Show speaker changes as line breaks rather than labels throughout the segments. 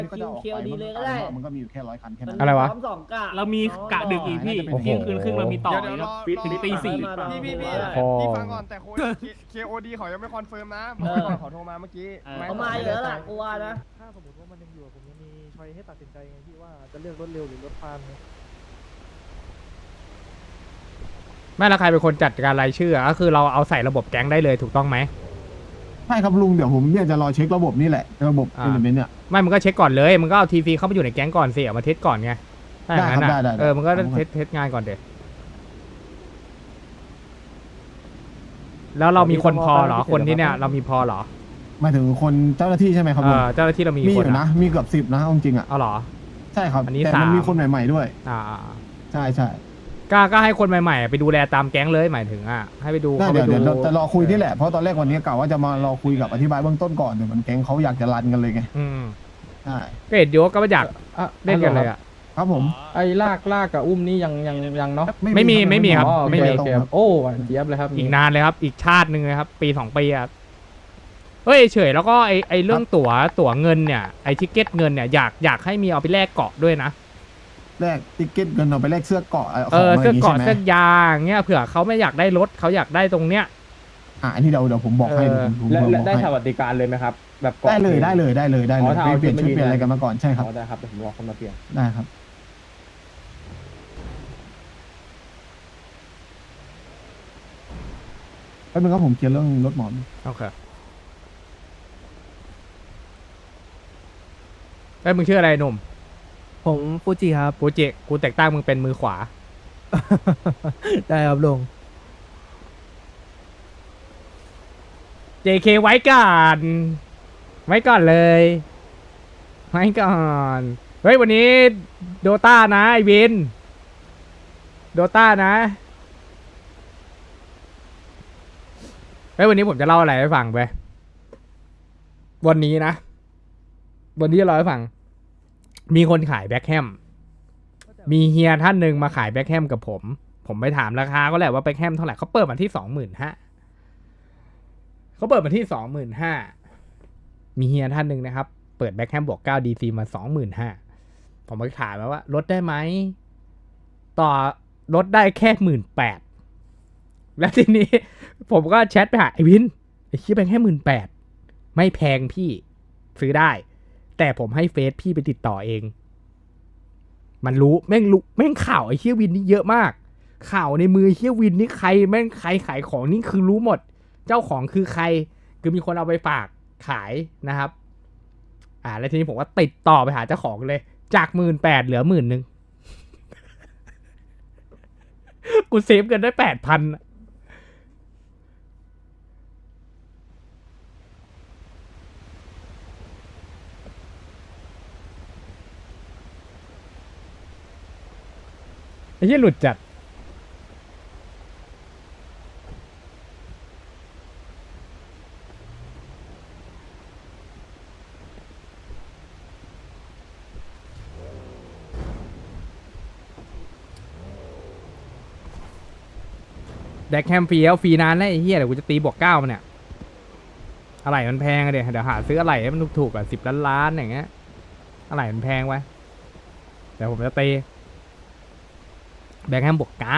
ก็จะออก
เคียว
ไป
ดีเลยก็ได้
มันก็มีอยู่แค่100 คันแค่นั้น
อะไรวะ
พร้อมสองกะ
เรามีกะดึกอีกพี่
โอ้โห
เที่ยงคืนครึ่งเรามีต่อ
เดี๋ยว
ครับ
รอ
ถึงตีสี่
พี่
พอ
พี่ฟังก่อนแต่KOD เขายังไม่คอนเฟิร์มนะขอโทรมาเมื่อกี้
เขามาเยอะล่ะกูว่านะ
ถ้าสมมติว่ามันยังอยู่ผมยังมีช้อยให้ตัดสินใจไงพี่ว่าจะเลือกรถเร็วหรือรถฟาร์มไง
ไม่ละใครเป็นคนจัดการรายชื่อก็คือเราเอาใส่ระบบแก๊งได้เลยถูกต้องไหม
ใช่ครับลุงเดี๋ยวผมเนี่ยจะรอเช็คระบบนี่แหละระบบ
อ่า
เอลิเมนต์เนี่ย
ไม่มึงก็เช็คก่อนเลยมึงก็เอาทีซีเข้ามาอยู่ในแก๊งก่อนสิเอามาเทสก่อนไงถ้าอย่างนั้น
ได้ครับได้
เออมึงก็
ได้
เทสงานก่อนเด็แล้วเรามีคนพอเหรอคนที่เนี่ยเรามีพอเหรอ
หมายถึงคนเจ้าหน้าที่ใช่ไหมครับ
เอ
ลุง
อเจ้าหน้าที่เรามี
มีอ
คน
ยู่นะมีเกือบ10นะเอาจริงอ่ะ
เอาเหรอ
ใช่ครับ
อันนี้
แต่มัน
3
มีคนใหม่ๆด้วย
อ่า
ใช่ใช่
ก็ให้คนใหม่ๆไปดูแลตามแก๊งเลยหมายถึงให้ไปดู
ได้
เขาไป
เดี๋ยว
ดู
เดี๋ยวจะรอคุยที่แหละเพราะตอนแรกวันนี้กะว่าจะมารอคุยกับอธิบายเบื้องต้นก่อนเดี๋ยวมันแก๊งเขาอยากจะรันกันเลยไง
อืม
ใช่
ก็เห็นโยก็ไม่อยากเล่นกันเลยอ่ะ
ครับผม
ไอ้ลากกับอุ้มนี่ยังเนาะ
ไม่มีครับ
อ๋อโอ
ไม่
เค
มี
โอเคครับโอ้หวานเจี๊ยบเลยครับ
อีกนานเลยครับ อีกชาติหนึ่งเลยครับ ปี 2 ปีครับเฮ้ยเฉยแล้วก็ไอเรื่องตั๋วเงินเนี่ยไอทิเก็ตเงินเนี่ยอยากให้มีเอาไปแลกเกาะด้วยนะ
แลกติ๊กเก็ตเงินเอาไปแลกเสื้อเกาะข
เอ
อง
อ
อะไรอ
เสื้อย่าง
งี้
เกาะ
ใช่ไหม
เสื้อยางเงี้ยเผื่อเขาไม่อยากได้รถเขาอยากได้ตรงเนี้ย
อันนี้เดี๋ยวผมบอกให้
เออ
ผม
และ
บอก
ได้
ให้
สวัสดิการเลยไหมครับ แบบกาะ
ได้เลย
อ๋อถ้า
ไป
เอา
เปลี่ยนชุด
ชุด
เปลี่ยนอะไร
มายืน
กันมาก่อนใช่ครับ
อ๋อได้ครับเดี๋ยวผมรอคนมาเปลี่ยน
ได้ครับแป๊บนึงครับผมเคลียร์เรื่องรถหมอน
โอเคเอ้ยมึงชื่ออะไรหนุ่ม
ผมฟูจิครับ
กูแต่งตั้งมึงเป็นมือขวา
ได้ครับลุง
JK ไว้ก่อนเลยไว้ก่อนเฮ้ยวันนี้โดต้านะไอวินโดต้านะเฮ้ยวันนี้ผมจะเล่าอะไรให้ฟังไปวันนี้จะเล่าให้ฟังมีคนขายแบ็คแฮมมีเฮียท่านหนึ่งมาขายแบ็คแฮมกับผมไปถามราคาก็แหละว่าแบ็คแฮมเท่าไหร่เขาเปิดมาที่ 25,000เขาเปิดมาที่ 25,000มีเฮียท่านหนึ่งนะครับเปิดแบ็คแฮมบวก9 DC มา 25,000ผมไปถามว่าลดได้ไหมต่อลดได้แค่ 18,000แล้วทีนี้ผมก็แชทไปหาไอวินไอคิดไปแค่ 18,000ไม่แพงพี่ซื้อได้แต่ผมให้เฟซพี่ไปติดต่อเองมันรู้แม่งข่าวไอเฮียวินนี่เยอะมากข่าวในมือเฮียวินนี่ใครแม่งใครขายของนี่คือรู้หมดเจ้าของคือใครคือมีคนเอาไปฝากขายนะครับแล้วทีนี้ผมก็ติดต่อไปหาเจ้าของเลยจาก 18,000เหลือ 10,000 กูเซฟเงินได้ 8,000ไอ้เหี้ยหลุดจัดแดกแคมฟรีแล้วฟรีนานแล้วไอ้เหี้ยเดี๋ยวกูจะตีบวก9มันเนี่ยอะไรมันแพงอะเดี๋ยวหาซื้ออะไรให้มันถูกๆอ่ะ10 ล้านอย่างเงี้ยอะไรมันแพงไว้เดี๋ยวผมจะตีแบงค์แฮมบวก9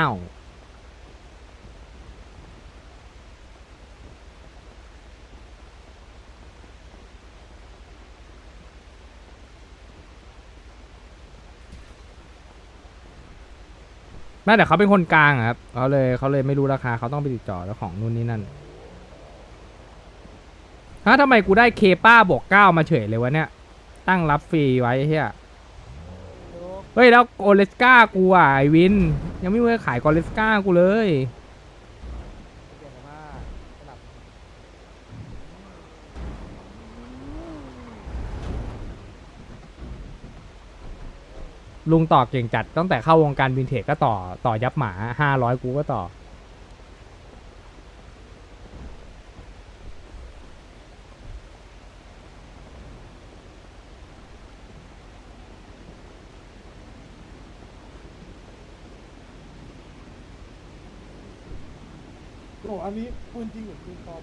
แม้แต่เขาเป็นคนกลางอะครับเขาเลยไม่รู้ราคาเขาต้องไปติดต่อแล้วของนู่นนี่นั่นทำไมกูได้เคป้าบวก9มาเฉยเลยวะเนี่ยตั้งรับฟรีไว้เฮียเฮ้ยแล้วโอเลสกากูอ่ะไอวินยังไม่เคยขายโอเลสกากูเลยลุงต่อเก่งจัดตั้งแต่เข้าวงการวินเทจก็ต่อยับหมา500กูก็ต่อ
โอ้อันนี้ปืนจริงหรือปืนปลอม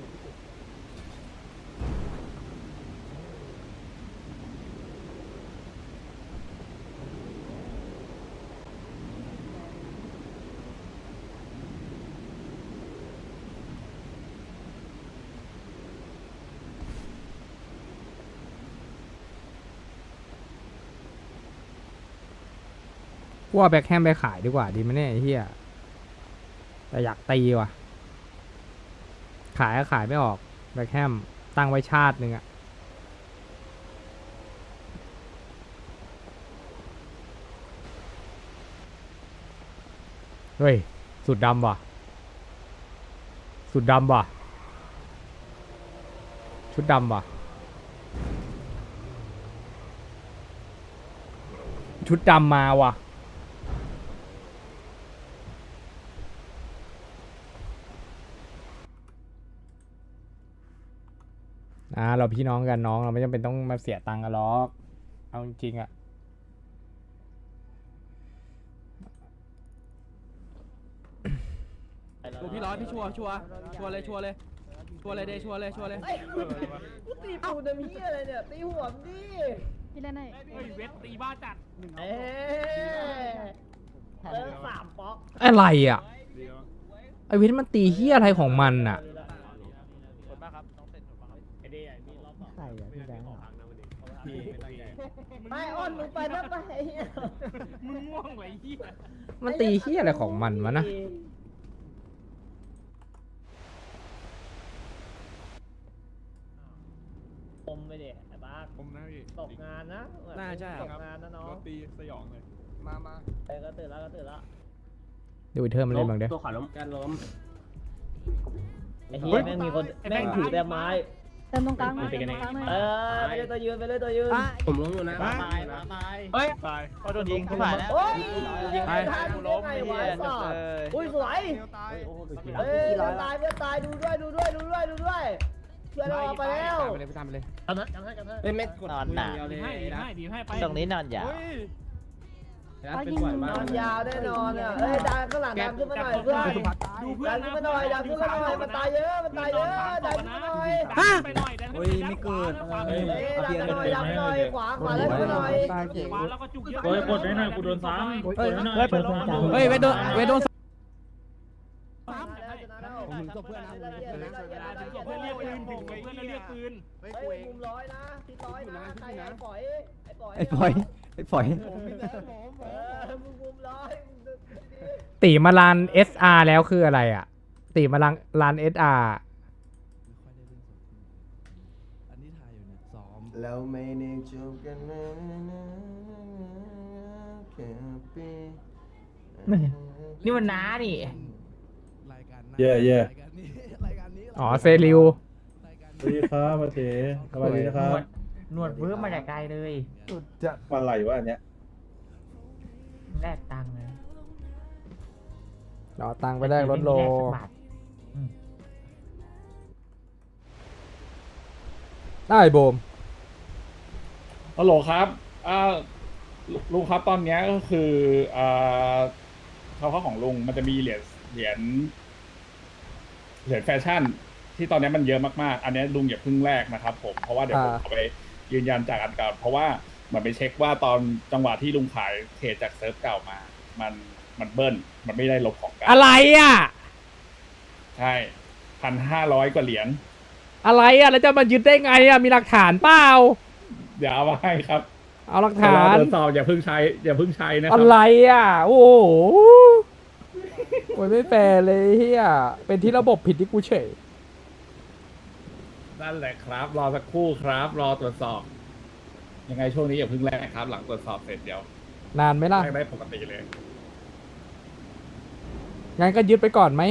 กูเอาแบ็คแฮมไปขายดีกว่าดีไหมเนี่ยไอ้เหี้ยแต่อยากตีว่ะขายก็ขายไม่ออกแบ็คแฮมตั้งไว้ชาติหนึ่งอะเฮ้ยสุดดำว่ะสุดดำว่ะชุดดำว่ะชุดดำมาว่ะเราพี่น้องกันน้องเราไม่จำเป็นต้องมาเสียตังค์กันหรอกเอาจริงๆอะ
ดูพี่ร้อยพี่ชัวร์เลยเดชัวร์เลย
เฮ้ยกูตีปูนเหี้ยอะไรเนี่ยตีหัวมนดิ
พี่เล่นให้
เฮ้ยเวทตีบ้าจัด
เอ๊ะ3ป๊อก
อะไรอ่ะไอวิทย์มันตีเฮียอะไรของมันอ่ะ
ไม่อ้อนมึงไปนะไป
มึงม่วงไว้เหี้ย
มันตีเฮียอะไรของมันวะนะ
ผมไปเด็ไอ้บ้า
ผมนะพี่
ตกงานนะ
น่าใช่
ตกงานนะน้อง
รถตีสยองเลย มา
ก็ตื่นแล้ว
เดี๋ยววิเทอร์มันเล่นบ้างเด้อ
ตัวขาล้มการล้ม
ไอ้เหี้ยแม่งมีคนแม่งถือแต่ไม้
เติมตรงกลางหน่อย
เป็นกันเอง
ตรงกลางหน่อย
ไปเลยตัวยืนไปเลยตัวยืน
ผมล้มอยู่นะ
ตาย
เฮ้ย
ตาย
เขาโดนยิงเขาผ่านแล้ว
โอ้ย
ยิง
ไปทางล้มไอ้เหี้ยอุ้ยสวย
เดียวตาย
เฮ้ยเพื่อนตายดูด้วยเพื่อนเราออกไปแล้ว
ไปตามไปเลย
เฮ้ยไม่กด
นอนหนา
ดีให้ไป
ตรงนี้นอนยาว
เฮ้ย
นอนยาวแน่นอนอ่ะเฮ้ยดันข้างหลังดันขึ้นมาหน่อยเพื่อน
ดูเพื่อ
ดั
น
นขึ้นมาหน่อยดันขึ้นมาหน่อยมันตายเยอะดันขึ้นมาหน่อย
ไปหน่อยเฮ้ยไม่เกิด
เฮ้ยดันขึ้นมาหน่อยขวาแล้วขึ้นมาหน่อย
ขวาแล้วก็จุกเยอะ
เฮ้ยกดได้หน่อยกูโดนซ้ำ
เฮ้ยเวทโดน
ผมจบเพื่อนนะ
เพื่อนเรียกปืนถึงเพื่อนเรียกปืน
เฮ้ยมุมร้อยนะที่ร้อยนะใครไอ้ปล่อย มุมร้อย
ตีมาลาน SR แล้วคืออะไรอ่ะตีมาลาน SR
แล้วไม่ได้จบกันนะแค่ปี
นี่มันน้านี่
เย่
อ๋อเซริว
สวัสดีครับมาเถสวัสดีนะครับ
หนวดเบื้อมาจากไกลเลย
จะวันไหลวะอันเนี้ย
แลกตังค์เลย
รอตังค์ไปแลกรถโลได้โบม
ฮัลโหลครับลุงครับตอนเนี้ยก็คือเขาของลุงมันจะมีเหรียญแฟชั่นที่ตอนนี้มันเยอะมากๆอันนี้ลุงอย่าเพิ่งแลกนะครับผมเพราะว่าเดี๋ยวผมเอาไปยืนยันจากอันเก่าเพราะว่าเหมือนไปเช็คว่าตอนจังหวะที่ลุงขายเทรดจากเซิร์ฟเก่ามามันเบิ้ลมันไม่ได้ลบของเก่า
อะไรอ่ะ
ใช่1,500 กว่าเหรียญ
อะไรอ่ะแล้วจะมายึดได้ไงอ่ะมีหลักฐานเปล่า
เดี๋ยวเอามาให้ครับ
เอาหลัก
เดี๋ยว
ฐาร
อน ตรวจสอบอย่าเพิ่งใช้นะค
อะ
รับ
ไรอ่ะโอ้โหโอ้ยไม่แฟร์เลยเฮียเป็นที่ระบบผิดที่กูเฉย
นั่นแหละครับ รอสักครู่ครับ รอตรวจสอบ ยังไงช่วงนี้อย่าเพิ่งแลกครับ หลังตรวจสอบเสร็จเดี๋ยวน
านไหมล่ะ
แลกได้ปกติเลย
งั้นก็ยึดไปก่อนไหม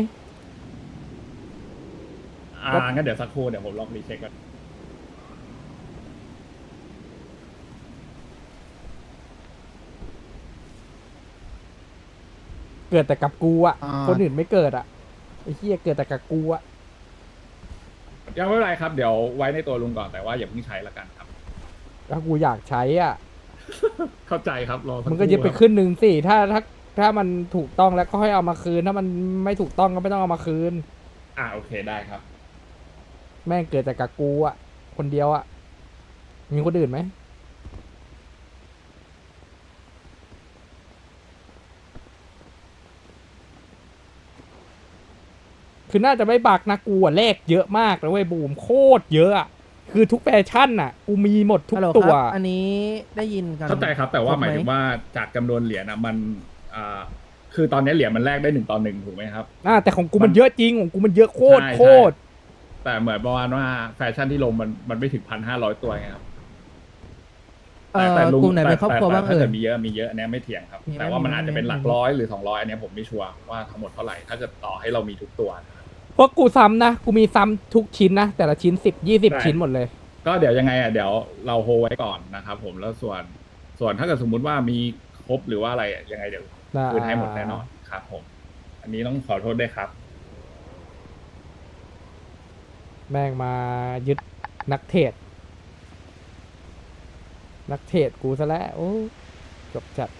งั้นเดี๋ยวสักครู่เดี๋ยวผมลองรีเช็คก่อน
เกิดแต่กับกูอ่ะคนอื่นไม่เกิดอ่ะไอ้เฮียเกิดแต่กับกูอ่ะ
ยังไม่เป็นไรครับ เดี๋ยวไว้ในตัวลุงก่อนแต่ว่าอย่าเพิ่งใช้ละกันครับ
แล้วกูอยากใช้อ่ะ
เข้าใจครับรอสักค
มึ
รู่
งก็ยึดไป
ครับ
ขึ้นหนึ่งสิถ้ามันถูกต้องแล้วก็ค่อยเอามาคืน ถ้ามันไม่ถูกต้องก็ไม่ต้องเอามาคืน
โอเคได้ครับ
แม่งเกิดแต่กับกูอ่ะคนเดียวอ่ะมีคนอื่นไหมคือน่าจะไม่บักนะกูอ่ะเลขเยอะมากเลยเว้ยบูมโคตรเยอะอะคือทุกแฟชั่นน่ะกูมีหมดทุกตัว
อันนี้ได้ยินกัน
เข้าใจครับ แต่ว่าหมายถึงว่าจากจำนวนเหรียญนะมันคือตอนนี้เหรียญมันแลกได้1 ต่อ 1ถูกไหมครับ
แต่ของกูมันเยอะจริงของกูมันเยอะโคตร
ใช่
โคตร
แต่เหมือนประมาณว่าแฟชั่นที่ลงมันไม่ถึง1,500 ตัวไงครับแต่ลุง
กลุ่มไหนเป็นครอบครัวบ้าง
ถ้า
เอ่
เกิ
ย
ดมีเยอะอันเนี้ยไม่เถียงครับ
มีไหม
แต่ว่ามัน
มีไหม
อาจจะเป็นหลักร้อยหรือ200อันเนี้ยผมไม่ชัวร์ว่าทั้งหมดเท่าไหร่ถ้าเกิดต่อให้เรามีทุกตัวนะครับ
เพราะกูซ้ำนะกูมีซ้ำทุกชิ้นนะแต่ละชิ้น10-20
ได้
ชิ้นหมดเลย
ก็เดี๋ยวยังไงเดี๋ยวเราโฮไว้ก่อนนะครับผมแล้วส่วนถ้าเกิดสมมุติว่ามีครบหรือว่าอะไรยังไงเดี๋ยวคืนให้หมดแน่นอนครับผมอันนี้ต้องขอโทษด้วยครับ
แม่งมายึดนักเทรดกูซะแล้วโอ้จบจัด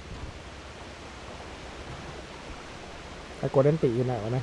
ไอ้โกลเด้นติอยู่ไหนวะเนี่ย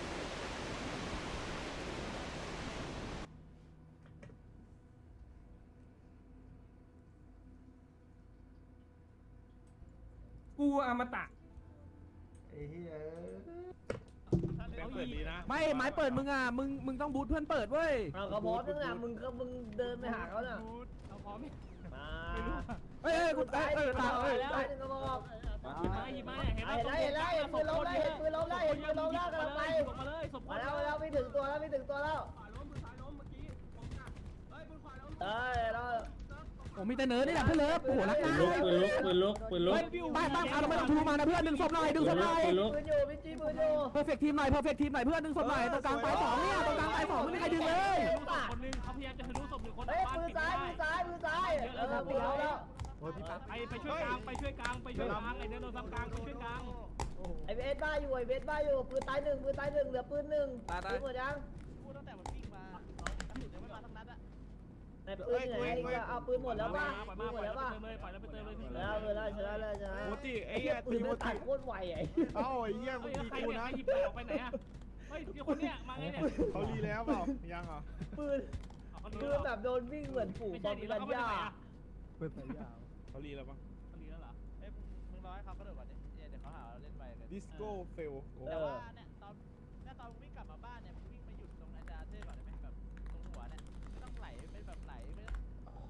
กูอมตะ
ไอ้เหี้ย
เปิดดีนะ
ไม่ไม้เปิดมึงอ่ะมึงต้องบูทเพื่อนเปิดเว้ย
เอาเขาพร้อมนึงอ่ะมึงเดินไปหาเขาน่ะ
เอาพร้อมไหม
มา
เอ้ยกูตาย
ตาย
ตาย
ตายหนึ่งกระบอก
หยิบมาเห็น
เห็นแล้วเห็นปืนล้มได้เห็นปืนล้มได้เห็นปืนล้มได้กำลังไป
มาเลยศพ
มาแล้วไม่ถึงตัวแล้วไม่ถึงตัวแล้วเอ้ยเรา
ผมมีแต่เนิร์ดนี่แหละเพื่อนเลิฟโอ้โหรักนะบ้านเอาเราไม่ต้องทูมานะเพื่อนดึงศพหน่อย
ปืนอยู่พี่จีปืนอยู่
เพอร์เฟกทีมหน่อยเพื่อนดึงศพหน่อยตรงกลางตาย2เนี่ยตรงกลางตาย2ไม่มีใครดึงเลย
คนนึงเขาพยายามจะทะลุศพหนึ่งคน
เฮ้ยปืนซ้ายปืนซ้ายปืนซ้ายปืนล้มแล้ว
ไปช่วยกลางไอ้เดินโดนซ้ำกลางไปช่วยกลาง
ไอเบสบ้าอยู่ปืนตายหนึ่งเหลือปืนหนึ่งปืนหมดยังในปืนไหนก็เอาปืนหมดแล้วป่ะปืนหมดแล้วป่ะ
ปล่อยแล้วไปเติมเลย
ชนะเลย
โมจิไอ้
ไอ้
เหี้
เหี้
ย
ย
ตี
ปืน
โม
มันตั
จิ
ดโคตรไวไอ้
เอ้าไอ้เหี้ยมึงตี
ใคร
กู
เนี่ย
นะ
หยิบออกไปไหนอ่ะเฮ้ยคนเนี้ยมาไงเนี่ย
เขารีแล้วเปล่ายังเหรอ
ปืนคือแบบโดนวิ่งเหมือนฝูงบอมบิลันย่า
เขารีแล้วปะ
ดีแล้วเหรอ
มึงรอให้เขากระโดดก่อนดิเดี๋ยวเขาหาเราเล่นไปเลย
ดิสโก้เฟล
แต่ว่าเนี่ยตอนวิ่งกลับมาบ้านเนี่ยมึงวิ่งไปหยุดตรงอาจารย์เท่ก่อนได้ไหมแบบตรงหัวเนี่ยไม่ต้องไหลเป็นแบบไหลไม่ต้อง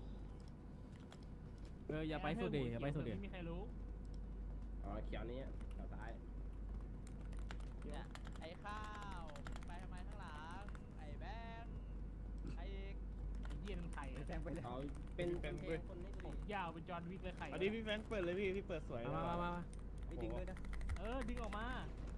อย่าไปสุดดิอย่าไปสุดดิไม่มีใครรู้
อ๋อเขียวนี้เราตาย
เนี่ยไอ้ข้าวไปทำไมข้างหลังไอ้แบงค์ไอ้
เยี่ยนไข่แซงไปเลย
เอาเป็นคนนี้
ยาวเป็นจอห์นวิกเลยไข่
อันนี้พี่แฟรงค์เปิดเลยพี่เปิดสวย
มา
ไม่จริงด้วยนะ
ดึงออกมา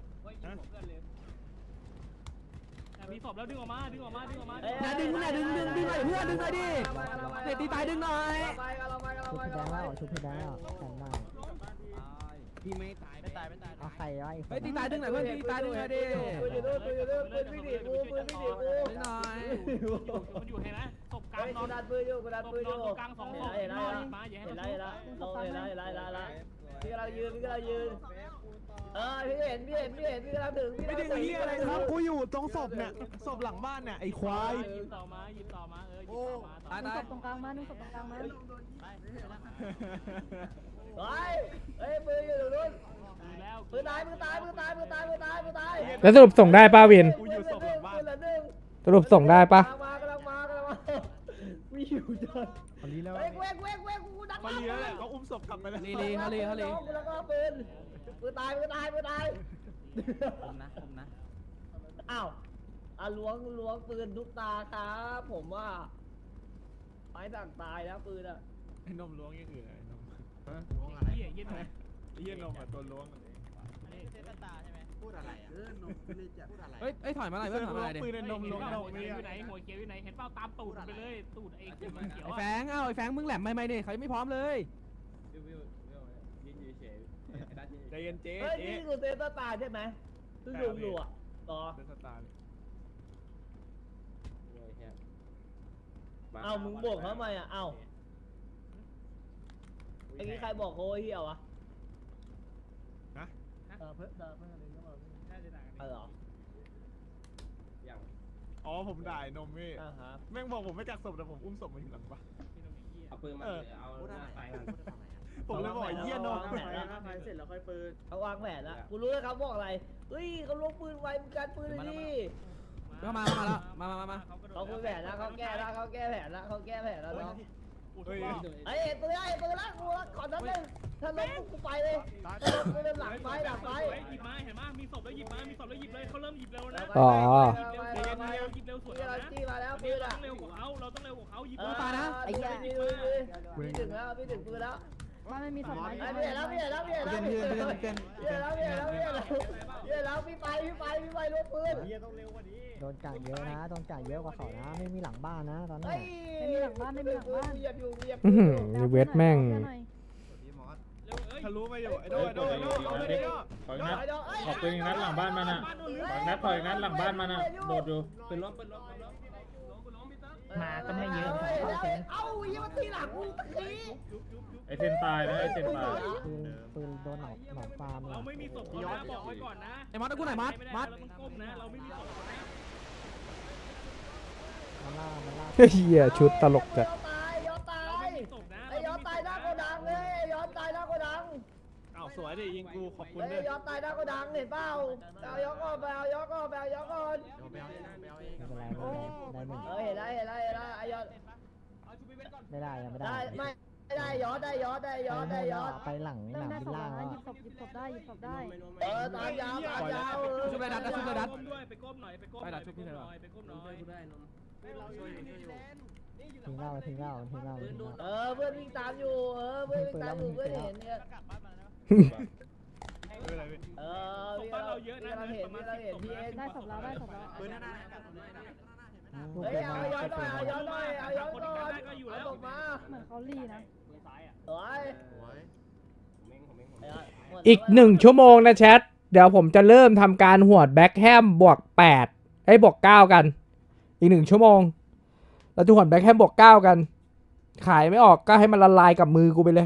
มีศพแล้วดึงออกมาดึงหน่อยเพื่อนดึงหน่อยดิเตะตีตายดึงหน่อย
ชุบพี่แดงแล้วแข็งมาก
พี่ไม่ตาย
ไม่ตาย
เอาไข่ไว้
เฮ้ยตีตายดึงหน่อยเพื่อนตีตายดึงหน่อยดิ
ปืนวิ่งหนีกู
ดึงหน่อย
มันอยู่เห็นไหมศพกลาง
เฮ้ย
น
กู
อน
ดันปืนอยู่ก
กลางสองศพ
เห็นแล้ว
มาอย่าให้
เห็น
เรา
แล้วพี่กำลังยืนพี่กำลังยืนพี่เห็นพี่กำลังถึงพี่
ไม่ดึงเหี้ยอะไรครับ กูอยู่ตรงศพเนี่ย ศพหลังบ้านเนี่ย ไอ้ควาย
หยิบต่อมาหยิบต่อมาหยิบต่อมา
ตาย
ศพตรงกลางมาศพตรงกลางมา
เฮ้ยปืนอยู่ตรงนู้น
แล้ว
ปืนตาย
แล้วสรุปส่งได้ป้าวิน
กูอยู่ศพหลังบ้าน
สรุปส่งได้ปะ
กำลังมาวิ่งอยู่จน
เขาลีแล้ว
เว้ยกูดัก
เขารีแล้วแหละเขาอุ้มศพกลับไปแล้ว
ลีเขาลี
กูแล้วก็ปืนตาย
ผมนะ
อ้าวล้วงปืนทุกตาครับผมว่าไม้สั่งตายแล้วปืนอ่ะ
ไอ้นมล้วงอย่างอื่นไอ้นม
เยี่ยเยี่ยนไหม
ไอ้เหี้ยนมอ่ะตัวล้วง
เซตตาใช่ไหม
พูดอะไรอ่ะนมไม่ได้จะพูดอะไร
เฮ้ยถอยมาหน่อยเพื่อนถอยมาหน่อยดิ
ปืนไอ้นมล้วงนม
หัว
เนี่
เขียวย อยู่ไหนหัวเขียวอยู่ไหนเห็นเปล่าตามตูดไปเลยตูดไอ้เขียว
ไอ้แฟงไอ้แฟงมึงแหลมไม่เนี่ยเขายังไม่พร้อมเลย
ใจเย็นเจ๊
เฮ้ยนี่คือเซตตาใช่ไหมซึ่งดูอ่ะต่อ
เป็นสตาร์
เอ้ามึงบอกเขาทำไมอ่ะเอ้าไอ้นี่ใครบอกเขาเหี้ยวะเพิ่มอะไรก็บอกเหรอ
อ๋อผมด่ายนมพี่แม่งบอกผมไม่กักศพแต่ผมอุ้มศพมาอยู่หลังบ้าน
เอาปืนมาเอาหน้าไฟมัน
ผมเลยบอกไอ้เหี้ยนม
เสร็จแล้วค่อยปืน
เขาวางแผนแล้วกูรู้แล้วเขาบอกอะไรเฮ้ยเขาลงปืนไวมีการปืนเลยดิ
เข้ามาแล้วมา
เขาคุยแผนแล้วเขาแก้แล้วเขาแก้แผนแล้วเขาแก้แผนแล้วเนาะ
เฮ้ย
ไอ้ปืนละกูขอนัดนึงถ้าล้มกูไปเลยถ้าล้มกูเริ่มหลังไป
หยิบมาเห็นมั้ยมีศพแล้วหยิบเลยเขาเริ่มหยิบเร็วนะ
อ๋อ
หยิบเร็วสวน
ที่เรา
นะ
จี้มาแล้วปื
เรา
น
ต้อง
อ่ะ
เร็วกว่าเขาเราต้องเร็วกว่าเขาหยิบ
ตายนะไอ้เหี้ยพี่ถึงแล้วพี่ถึงปืนแล้ว
บ้านไม่มีศพไหม
ไอ้พี่เห็นแล้วพี่เห็นแล้วพี่เห็นแล้วพี่เห็นแล้วพี่เห็นแล้วพี่เห็นแล้วพี่เห็นแล้วพี่ไปรถปืน
โดนกัดเยอะนะโดนกัดเยอะกว่าเขานะไม่มีหลังบ้านนะตอนนี้
ไม่มีหลังบ้านเหยียบอยู่เหยียบ
อื้อหือนี่เวทแม่ง
ทะลุมาอยู่ไอ้โดไอ้โดไอ้โดเอาไปดิโด
ขอนัด
ขอบคุณนัดหลังบ้านมันอ่ะขอนัดหลังบ้านมันอ่ะโดดอยู่
เป็นล้ม
มาก็ไม่เยอะเอ้ายังมาตีหลังกูตะกี้
ไอเซนตายนะไอเซนตาย
ปืนโดนหนองฟาร์ม
เราไม่มีศพนะบอกไว้ก่อนนะ
ไอ้มัดกูไหนมัด
เราต้องก้มนะเราไม่มีศพนะ
มันล่า
เฮียชุดตลกจัด
ย้อนตาย
เราไม่มีศพนะ
ไอ้ย้อนตายหน้าโกดังเลยย้อนตายหน้าโกดัง
อ้าวสวยดิยิงกูขอบคุณ
ไอ้
ด้วย
ย้อนตายหน้าโกดังเห็นเปล่าเอาย้อนก่อนไปเอาย้อนก่อนไปเอาย้อนก่อน
ไม่เป็นไรได้หนึ่ง
เห็นแล้วไอ้ย้อน
ไม่ได้ยังไม่ได้
ได้ไม่ได้ย้อนได้ย้อน
ไปหลังห
ได้
นาม
ได้
บิน
ศพ
ล่าง
นะ
แล้ว
หยิบศพได้หยิบศพได้
ตามยาว
ชุบเลยดัดด้วยไปก้มหน่อยไปก้มหน่อย
ทิ้งเหล้า
เพื่อนวิ่งตามอยู่เพื่อนวิ่งตามอยู่เพื่อนเห็นเนี่ย
ศพบ้านเราเยอะนะ
เราเห็นพี่เอ็น
ได้ศพแล้วได้ศพแล้ว
เฮ้ยเอาย้อนหน่อยเอาย้อนก่อนเอาตกมา
เหมือนเขาลีนะ
สวย
อีก1 ชั่วโมงนะแชท เดี๋ยวผมจะเริ่มทำการหวดแบ็คแฮมบวก8บวก9กัน อีก1 ชั่วโมง เราจะหวดแบ็คแฮมบวก9กัน ขายไม่ออกก็ให้มันละลายกับมือกูไปเลย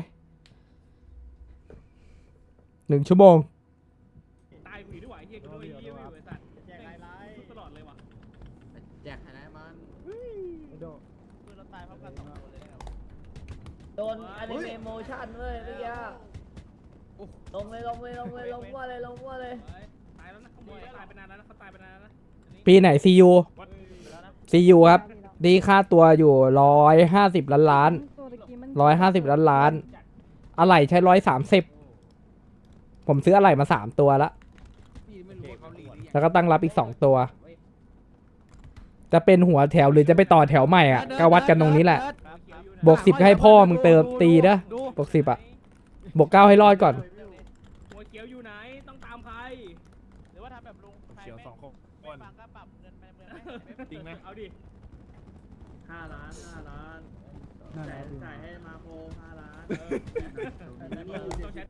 1 ชั่วโมง
ตายผีด้วยเฮียกูด้วยเฮียไอ้สัตว์ตลอดเลยว่ะ
แจกไฮไลท์มัน
โด
ปืนเราตายพร้อมกัน2คนเลยนะครับ
โดนอนิเมะโมชั่นเว้ยเมื่อกี้ลงมั่วเลย
ตายแล้วนะเขาตายไปนานแล้วนะเขาตายไปนานแล้วนะ
ปีไหน CU ครับ ดีค่าตัวอยู่150 ล้าน
ตัวตะกี้มัน
150 ล้าน อะไหล่ใช้130ผมซื้ออะไหล่มา3 ตัวแล้ว แล้วก็ตั้งรับอีก2 ตัว จะเป็นหัวแถวหรือจะไปต่อแถวใหม่อ่ะก็วัดกันตรงนี้แหละ บวก10ให้พ่อมึงเติมตีนะบวก10อ่ะ บวก9ให้รอดก่อน
หัวเขียวอยู่ไหนต้องตามใคร
หรือว่าทำแบบลุงใคร
เขียว
ไม่
2 คน
ไม่ฟังก็ปรับเงินไปเมืองไหม
จริงไหม
เอาดิ
5 ล้านจ่ายให้มาโค5 ล้าน
ต้องแชท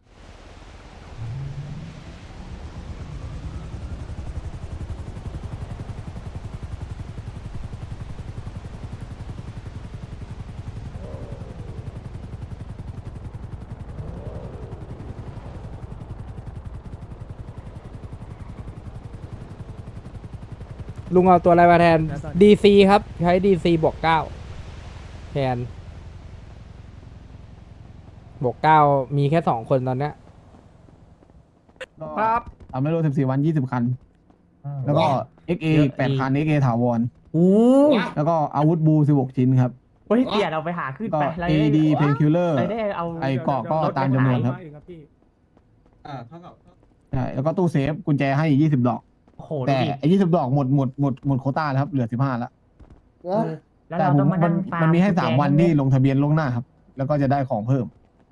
ลุงเอาตัวอะไรมาแทน DC ครับ ใช้ DC บวก9แทนบวก9มีแค่2 คนตอนเนี้ย
ครับทำให้รถ14 วัน20 คัน แล้วก็ XA 8 คัน XA ถาวรแล้วก็อาวุธบู 16 ชิ้นครับ
เฮ้ยเสียเราไปหาขึ้น
ก็
ไป
AD Painkiller
ได้เอา
ไอ้เกาะก็ตามจำนวนครับ
เท่ากับ
ใช่แล้วก็ตู้เซฟกุญแจให้อีก20 ดอก
โอ้โห
แต่ไอ้20 ดอกหมดโควต้าแล้วครับ เหลือ 15 แล้ว
แล้ว
แต่
เรา
ผ
ต้อ
ม
งมานั่งฟาร์
มันมีให้ 3 วันที่ลงทะเบียนล่วงหน้าครับ แล้วก็จะได้ของเพิ่ม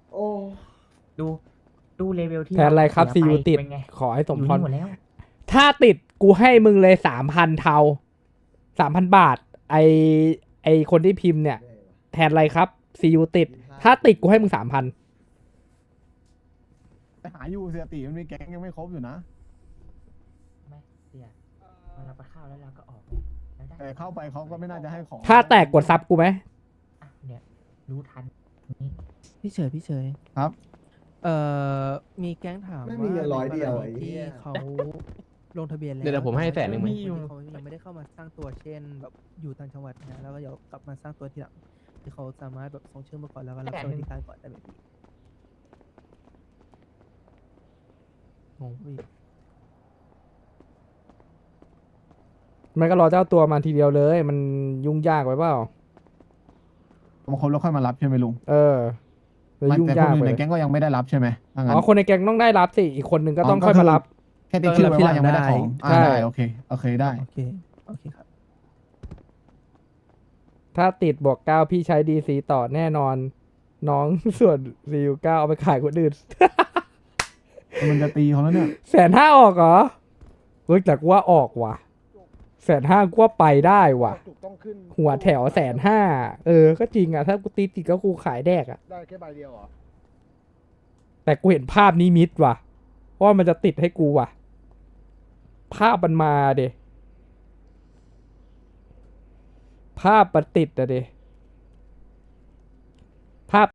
ดูเลเวลที่
แทนอะไรครับ
เสีย
CU
ไป
ติด
เป็นไง
ขอให้สมพร
หมดแล้ว
ถ้าติดกูให้มึงเลย 3,000 เทา 3,000 บาท ไอคนที่พิมพ์เนี่ย แทนอะไรครับ CU ติด ถ้าติดกูให้มึง 3,000
แต่หาอยู่เสียติมันมีแก๊งยังไม่ครบอยู่นะ
ไม่เสียเราไปเข้าแล้วเราก็ออกแล้วได้
แต่เข้าไปเขาก็ไม่น่าจะให้ของ
ถ้าแตกกดซับกูไหม
อ่ะเนี่ยรู้ทันนี่
พี่เฉย
ครับ
มีแก๊งถาม
ไม่มีเงิน100เดียวไอ้
ที่
เหี้ย
เขาลงทะเบียนแล้ว
เดี๋ยวผมให้100,000มั้ย
เขายังไม่ได้เข้ามาสร้างตัวเช่นแบบอยู่ต่างจังหวัดนะแล้วก็เดี๋ยวกลับมาสร้างตัวทีหลังที่เขาสามารถแบบส่งชื่อมาก่อนแล้วก็รับสวัสดิการก่อนได้ไหมพี่งงพี่
มันก็รอเจ้าตัวมาทีเดียวเลย มันยุ่งยากไปเปล่า
มาครบแล้วค่อยมารับใช่ไหมลุง
เออจะยุ่ง
แต่ค
ยาน ก
อื่
ไป
นในแก๊งก็ยังไม่ได้รับใช่ไหมถ้างั้น
อ๋อคนในแก๊งต้องได้รับสิ อีกคนนึงก็ต้อง
อ๋อ
ค่อยมารับ
แค่ติ๊กชื่อไว้ว่ายังไม่ได้ของ
ใช่
ได้โอเคโอเคได้
โอเคโอเคครับ
ถ้าติดบวกเก้าพี่ใช้ดีซีต่อแน่นอน น้อง ส่วนซีอูเก้าเอาไปขายคนอื่น
มันจะตีเขาแล้วเนี่ย
150,000ออกเหรอเฮ้ยแต่กูว่าออกว่ะ150,000กูว่าไปได้ว่ะ หัวแถว150,000เออ ก็จริงอ่ะ ถ้ากูตีติดก็กูขายแดกอ่ะ
ได้แค่ใบเดียวเหรอ
แต่กูเห็นภาพนี้มิดว่ะเพราะว่ามันจะติดให้กูว่ะ ภาพมันมาเดภาพมันติดอะเด